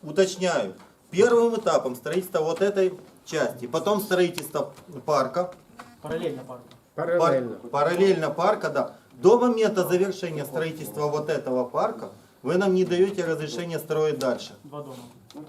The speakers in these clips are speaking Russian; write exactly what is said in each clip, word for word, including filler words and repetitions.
уточняю, первым этапом строительства вот этой части, потом строительство парка, Параллельно парку. Параллельно. пар- параллельно парка, да. До момента завершения строительства вот этого парка вы нам не даете разрешения строить дальше. Два дома.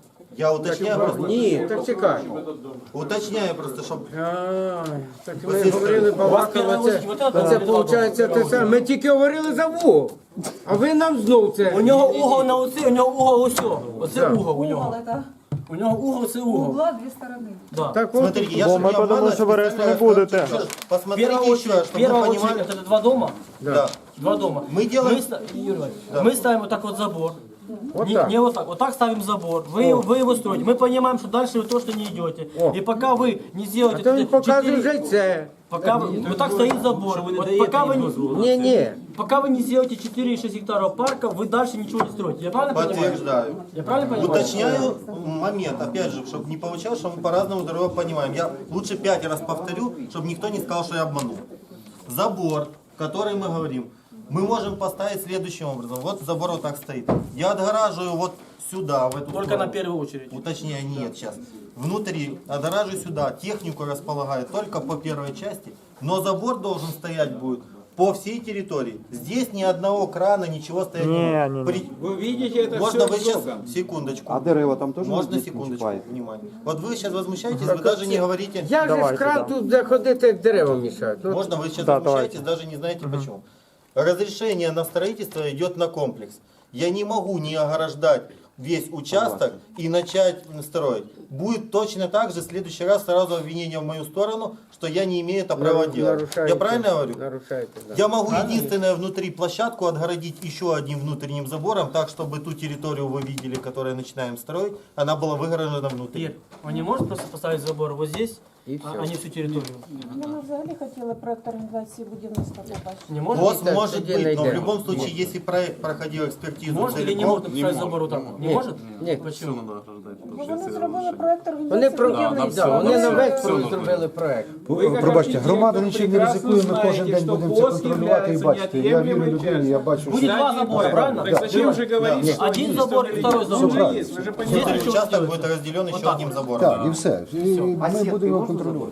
Я уточняю просто, Ні, так чекай. уточняю просто, щоб А, так Ось ми є говорили балакали, це, Вот это це два виходить те саме. Ми тільки говорили за вугол, а ви нам знов У це. нього угол на оці, у нього угол ось цього. Оце Так. угол у Угол нього. это У нього угол, це угол. угла две стороны. Да. Так от, смотрите, я Бо же ми не подумали, обманываю, що ви решти не специально будете. расскажу. Посмотрите Первая еще, очередь, чтобы первая вы очередь, понимали. это два дома. Да. Два дома. Мы делаем- Мы, ста- Юрий Иванович, мы ставим вот так вот забор. Вот не, так. не вот так. Вот так ставим забор. Вы, вы его строите. Мы понимаем, что дальше вы точно не идете. О. И пока вы не а сделаете... то він четыре- показує вже це. Пока вы, вот так стоит забор. Вот пока, вы не, Ні, ні. пока вы не сделаете четыре и шесть гектаров парка, вы дальше ничего не строите. Я правильно понимаю? Подтверждаю. Я правильно понимаю? Уточняю момент, опять же, чтобы не получалось, что мы по-разному друг друга понимаем. Я лучше пять раз повторю, чтобы никто не сказал, что я обманул. Забор, который мы говорим, мы можем поставить следующим образом. Вот забор вот так стоит. Я отгораживаю вот сюда, в эту Только сторону. на первую очередь. Уточняю, нет, сейчас. Внутри, отгораживаю сюда, технику располагаю только по первой части, но забор должен стоять будет по всей территории. Здесь ни одного крана, ничего стоять Не, не не, может. не. При- Ви бачите, це Можно все вы сейчас, зробимо. секундочку. А дерева там тоже Можно не секундочку, чіпаєте? внимание. Вот вы сейчас возмущаетесь, вы даже не говорите. Як же ж Давайте, кран да. тут де ходити, як дерева мішають? От Можно вы сейчас Да, возмущаетесь, даже не знаете почему. Разрешение на строительство идет на комплекс. Я не могу не ограждать весь участок и начать строить. Будет точно так же в следующий раз сразу обвинение в мою сторону, что я не имею это права делать. нарушаєте. Я правильно говорю? Нарушаєте, да. Я могу единственное внутри площадку отгородить еще одним внутренним забором, так чтобы ту территорию вы видели, которую начинаем строить, она была выгорожена внутри. Ир, он не может просто поставить забор вот здесь, И а, всё. а не всю территорию? Ми взагалі хотіли проект організації будівництва побачити. Не может? Вот так, может тоді быть, но в найдемо. любом случае, если проект проходил экспертизу Может или не целиком, может написать забор вот так? вот? Не Ні. может? Ні. Почему? Бо вони зробили проект Вони, організації про... будівництва. да, вони на весь все одно. зробили проект. Пробачте, громада нічим не ризикує, ми кожен день будемо це контролювати і бачити. Я вірю людині, я бачу, Будет що... два забора, правильно? Так зачем же говорить, что Один забор и второй забор. правильно. есть? Вы же внутренний понимаете. участок будет разделен еще одним забором. Так, і все. І ми будемо його контролювати.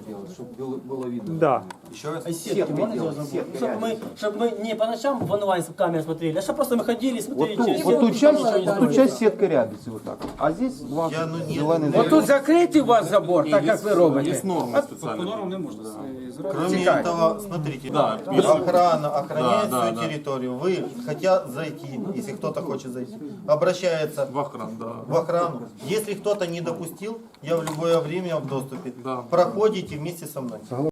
Да. Еще раз. А сетки можно сделать забор? Чтобы мы, чтобы мы не по ночам в онлайн с камеры смотрели, а чтобы просто мы ходили и смотрели Вот, через вот сетку, тут и часть, там ничего не тут строили. часть сітки рябиться вот так. А здесь два Я, ну, нет. зелений От тут закритий у вас забор, так як ви робите. Есть нормы специально. Кроме Текай. этого, смотрите, Да. охрана охраняет Да, всю да, да. территорию. Вы, хотя зайти, если кто-то хочет зайти, обращается В охрану, да. в охрану. Если кто-то не допустил, я в любое время в доступе. Да. Проходите вместе со мной.